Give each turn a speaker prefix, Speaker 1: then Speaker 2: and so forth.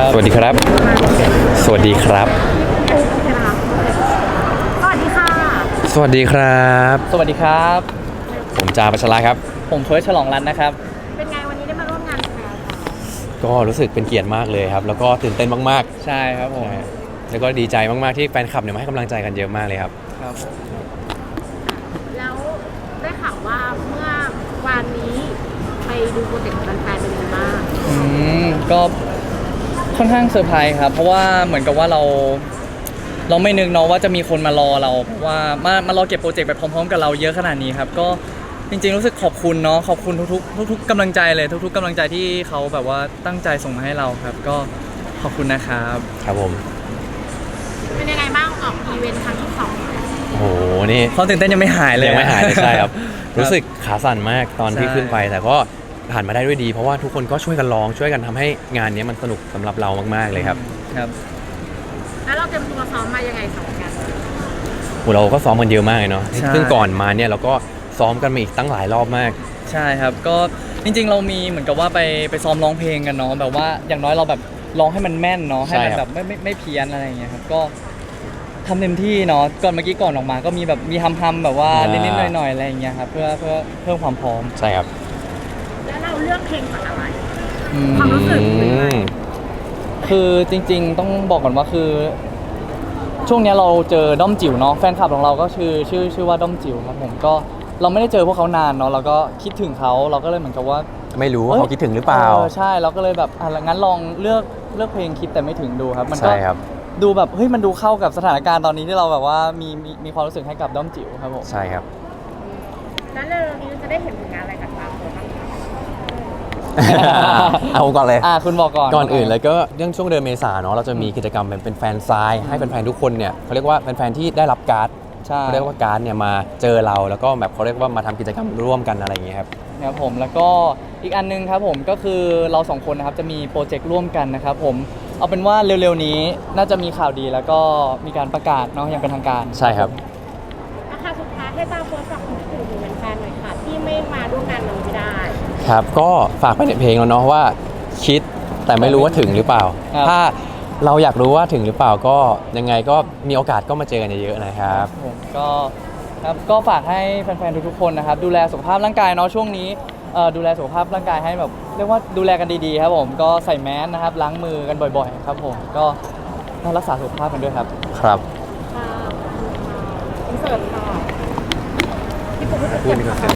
Speaker 1: สวัสดีครับสวัสดีครับ
Speaker 2: สวัสดีค่ะ
Speaker 1: สวัสดีครับ
Speaker 3: สวัสดีครับ
Speaker 1: ผมจาปัชราครับ
Speaker 3: ผมเฟิร์สฉลองรัตน์นะครับ
Speaker 2: เป็นไงวันนี้ได้มาร่วมงานแฟน
Speaker 1: ก็รู้สึกเป็นเกียรติมากเลยครับแล้วก็ตื่นเต้นมาก
Speaker 3: ใช่ครับผม
Speaker 1: ๆแล้วก็ดีใจมากๆที่แฟนคลับเนี่ยมาให้กำลังใจกันเยอะมากเลยครับ
Speaker 3: ครับ
Speaker 2: แล้วได้ข่าวว่าเมื่อวานนี้ไปดูโปรเจกต์ของแฟนๆเป็นยังไงบ้าง
Speaker 3: ก็ค่อนข้างเซอร์ไพรส์ครับเพราะว่าเหมือนกับว่าเราไม่นึกเนาะว่าจะมีคนมารอเราเพราะว่ามารอเก็บโปรเจกต์ไปพร้อมๆกับเราเยอะขนาดนี้ครับก็จริงๆรู้สึกขอบคุณเนาะขอบคุณทุกๆกำลังใจเลยทุกๆกำลังใจที่เขาแบบว่าตั้งใจส่งมาให้เราครับก็ขอบคุณนะครับ
Speaker 1: ครับผม
Speaker 2: เป็นยังไงบ้างออกอีเวนต์ครั้งที่สอง
Speaker 1: โอ้โหนี่
Speaker 3: ความตื่นเต้นยังไม่หายเลย
Speaker 1: ยังไม่หายเลยใช่ครับรู้สึกขาสั่นมากตอนที่
Speaker 3: ใช่
Speaker 1: ขึ้นไปแต่ก็ผ่านมาได้ด้วยดีเพราะว่าทุกคนก็ช่วยกันร้องช่วยกันทำให้งานนี้มันสนุกสำหรับเรามากๆเลยครับ
Speaker 3: ครับ
Speaker 2: แล้วเราเตรียมตัวซ้อมมายังไงสองกัน
Speaker 1: เราก็ซ้อมกันเยอะมากเลยเนาะ
Speaker 3: ใช่
Speaker 1: ซึ่งก่อนมาเนี่ยเราก็ซ้อมกันมาอีกตั้งหลายรอบมาก
Speaker 3: ใช่ครับก็จริงๆเรามีเหมือนกับว่าไปซ้อมร้องเพลงกันเนาะแบบว่าอย่างน้อยเราแบบร้องให้มันแม่นเนาะให้มันแบบไม่เพี้ยนอะไรอย่างเงี้ยครับก็ทำเต็มที่เนาะก่อนเมื่อกี้ก่อนออกมาก็มีแบบมีทำแบบว่านิดๆหน่อยๆอะไรอย่างเงี้ยครับเพื่อเพิ่มความพร้อม
Speaker 1: ใช่ครับ
Speaker 2: แล้วเราเลือกเพลงจากอะไร
Speaker 3: อืม
Speaker 2: ความรู้สึกเป็นไง
Speaker 3: คือจริงๆต้องบอกก่อนว่าคือ ช่วงเนี้ยเราเจอด้อมจิ๋วเนาะแฟนคลับของเราก็ชื่อว่าด้อมจิ๋วครับผมก็เราไม่ได้เจอพวกเขานานเนาะเราก็คิดถึงเขาเราก็เลยเหมือนกับว่า
Speaker 1: ไม่รู้ว่าเขาคิดถึงหรือเปล่า
Speaker 3: ใช่เราก็เลยแบบงั้นลองเลือกเพลงคิดแต่ไม่ถึงดูครับมันก็
Speaker 1: ใช่ครับ
Speaker 3: ดูแบบเฮ้ยมันดูเข้ากับสถานการณ์ตอนนี้ที่เราแบบว่ามีความรู้สึกให้กับด้อมจิ๋วครับผม
Speaker 1: ใช่ครับ
Speaker 2: แล้วเร็วๆนี้จะได้เห็นผลงานอะไรจากบางคนบ้างคะ
Speaker 1: เอาก่อนเลย
Speaker 3: คุณบอกก่อน
Speaker 1: ก่อนอื่นเลยก็เรื่องช่วงเดือนเมษาเนาะเราจะมีกิจกรรมเป็นแฟนซายให้แฟนๆทุกคนเนี่ยเขาเรียกว่าแฟนๆที่ได้รับการ์ด
Speaker 3: ใช่
Speaker 1: เขาเรียกว่าการ์ดเนี่ยมาเจอเราแล้วก็แบบเขาเรียกว่ามาทำกิจกรรมร่วมกันอะไรอย่างเงี้ยครับ
Speaker 3: ครับผมแล้วก็อีกอันนึงครับผมก็คือเราสองคนนะครับจะมีโปรเจกต์ร่วมกันนะครับผมเอาเป็นว่าเร็วๆนี้น่าจะมีข่าวดีแล้วก็มีการประกาศเนาะอย่างเป็นทางการ
Speaker 1: ใช่ครับ
Speaker 2: ราคาสุดท้ายให้ตามโพสต์ฝากถึงแฟนๆหน่อยค่ะที่ไม่มาร่วมงานวันนี้ไม่ได้
Speaker 1: ครับก็ฝากไปในเพลงแล้วเนาะว่าคิดแต่ไม่รู้ว่าถึงหรือเปล่า ถ้าเราอยากรู้ว่าถึงหรือเปล่าก็ยังไงก็มีโอกาสก็มาเจอกันเยอะๆนะครับ
Speaker 3: ผมก็ฝากให้แฟนๆทุกๆคนนะครับดูแลสุขภาพร่างกายเนาะช่วงนี้ดูแลสุขภาพร่างกายให้แบบเรียกว่าดูแลกันดีๆครับผมก็ใส่แมสนะครับล้างมือกันบ่อยๆครับผมก็ต้องรักษาสุขภาพกันด้วยครับ
Speaker 1: ครับ
Speaker 2: ค่ะอินเสิร์ตค่ะพี่ปุ๊ก
Speaker 1: พูดดีกว่า